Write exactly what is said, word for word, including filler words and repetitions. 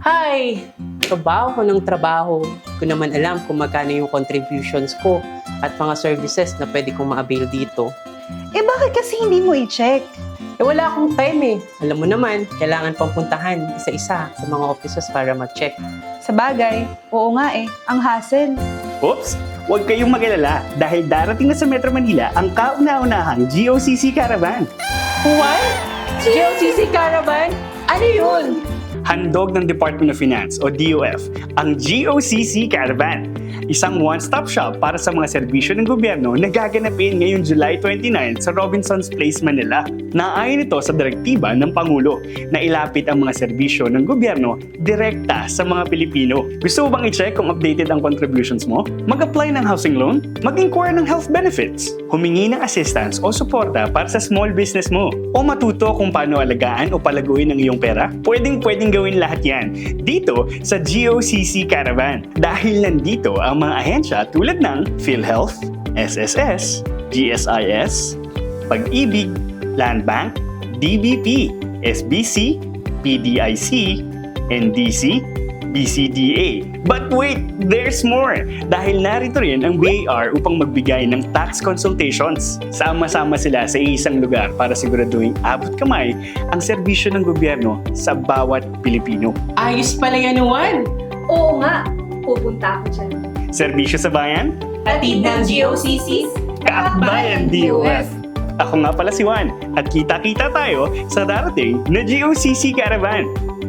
Ay, trabaho ng trabaho. Ko naman alam kung magkano yung contributions ko at mga services na pwede kong ma-avail dito. Eh bakit kasi hindi mo i-check? Eh wala akong time eh. Alam mo naman, kailangan pang puntahan isa-isa sa mga offices para mag-check. Sa bagay, oo nga eh, ang hassle. Oops! Huwag kayong mag-alala dahil darating na sa Metro Manila ang kauna-unahang G O C C Caravan. What? G O C C Caravan? Ano yun? Handog ng Department of Finance o D O F ang G O C C Caravan. Isang one-stop shop para sa mga serbisyo ng gobyerno na gaganapin ngayong July twenty-nine sa Robinsons Place, Manila. Naayon ito sa direktiba ng Pangulo na ilapit ang mga serbisyo ng gobyerno direkta sa mga Pilipino. Gusto mo bang i-check kung updated ang contributions mo? Mag-apply ng housing loan? Mag-inquire ng health benefits? Humingi ng assistance o suporta para sa small business mo? O matuto kung paano alagaan o palaguin ang iyong pera? Pwedeng-pwedeng gawin lahat yan dito sa G O C C Caravan. Dahil nandito ang mga ahensya tulad ng PhilHealth, S S S, G S I S, Pag-ibig, Land Bank, D B P, S B C, P D I C, N D C, B C D A. But wait, there's more! Dahil narito rin ang B I R upang magbigay ng tax consultations. Sama-sama sila sa isang lugar para siguraduhin abot kamay ang serbisyo ng gobyerno sa bawat Pilipino. Ayos pala yan, Juan! Oo nga, pupunta ako dyan. Serbisyo sa bayan? Hatid ng G O C Cs, Kaakbayan D O F! Ako nga pala si Juan at kita-kita tayo sa darating na G O C C Caravan.